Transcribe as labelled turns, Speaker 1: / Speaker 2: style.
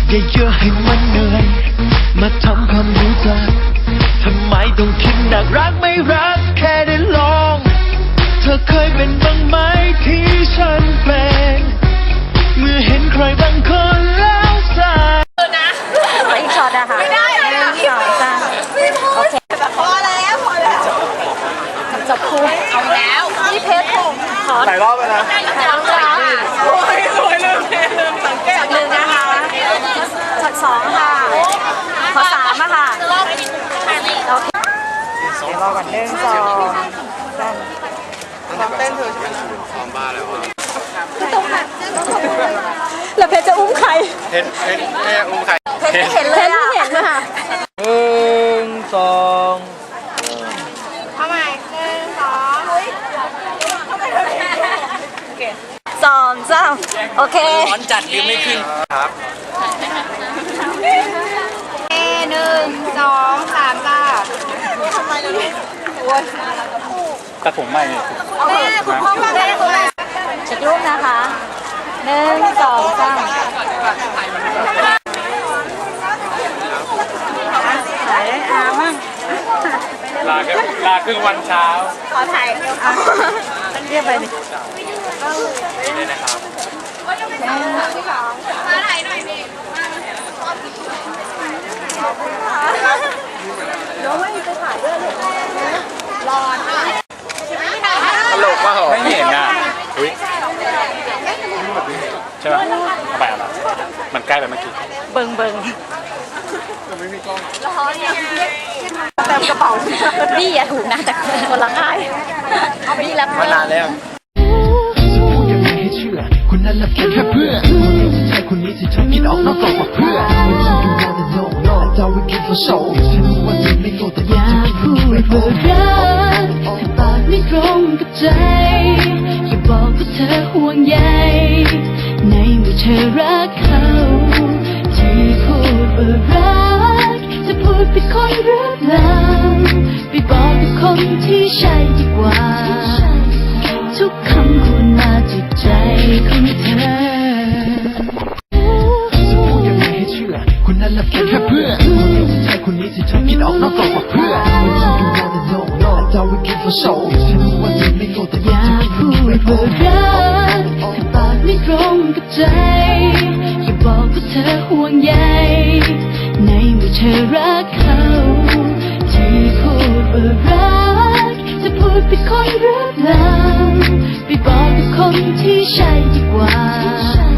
Speaker 1: อย่าเยอะให้มันเหนื่อยมาทำความรู้จักทำไมต้องคิดหนักรักไม่รักแค่ได้ลองเธอเคยเป็นบ้างไหมที่ฉันเป็นเมื่อเห็นใครบางคนแล้วใจ
Speaker 2: ไปอีกช็อตอะค่ะไม่ได้1 2 3โอเคพอแล้วจบคู่เอาแล้วพี่เพชรขอ
Speaker 3: หลายรอบแล้วนะ
Speaker 2: แล้วค่ะ
Speaker 3: โอ้ยสวยลืมสังเกต
Speaker 2: 1นะคะช็อต2ค่ะขอ3อะค่ะโอเครอก่อน1 2 3
Speaker 3: ซ้อมเต้นเธอใช่ไหมซ้อมบ้าแล้วอ่ะ
Speaker 2: แล้วเพชรจะอุ้มใคร
Speaker 3: เพชรอุ้มใคร
Speaker 2: เพชรเห็นเลยอะเพชรเห็นเลยค่ะ
Speaker 3: 1 2
Speaker 2: ทำไม1 2 3โอเค
Speaker 3: ร้อนจัดยืนไม่ขึ้นครับ
Speaker 2: 1 2 3จ้าทำไมล่ะลูกโอ้ย
Speaker 3: แต่ผมไม่เนี่ย
Speaker 2: แม่คุณพ่อมาได้ไหมเช็ครูปนะคะ1 2 3ถ่ายอามั่ง
Speaker 3: ลาครึ่งวันเช้า
Speaker 2: ขอถ่ายเรียกไปดิ
Speaker 3: นี่นะครับ
Speaker 2: มาถ่ายหน่อยดิเดี๋ยวไม่ไปถ่ายด้วยเลยรอ
Speaker 3: ตลกมากเหรอไม่เห็นอ่ะอุ้ยใช่ไหมเอาไปอะไรมันใกล้ไปเมื่อกี้
Speaker 2: เบิ่ง
Speaker 3: ไม่มีกล้อง
Speaker 2: ร้อนเนี่ยเต็มกระเป๋าพี่อย่าถูกนะแต่คนละค่ายเอาไปที่รับ
Speaker 3: มานานแล้ว
Speaker 1: พูดยังไงให้เชื่อคนนั้นละเพียงแค่เพื่อนคนนี้ที่ใช่คนนี้ที่เธอคิดออกนอกกรอบกว่าเพื่อนไม่ใช่ you wanna know no that's how we keep for show ฉันรู้ว่าเธอไม่โง่แต่
Speaker 4: อย่าพูดว่ารักแต่ปากไม่ตรงกับใจอย่าบอกว่าเธอห่วงใยในเมื่อเธอรักเขาที่พูดว่ารักจะพูดเป็นคนหรือเปล่าไปบอกกับคนที่ใช่ดีกว่าทุกคำควรมาจากใจของเธอ
Speaker 1: พูดยังไงให้เชื่อคนนั้นละเพียงแค่เพื่อนคนนี้ที่ใช่คนนี้ที่เธอคิดออกนอกกรอบกว่าเพื่อนไม่ใช่ you wanna know no that's how we keep for show ฉันรู้ว่าเธอไม่โง่แต่
Speaker 4: อย่าพูดว่ารักแต่ปากไม่ตรงกับใจอย่าบอกว่าเธอห่วงใยในเมื่อเธอรักเขาที่พูดว่ารักจะพูดเป็นคนหรือเปล่าไปบอกกับคนที่ใช่ดีกว่า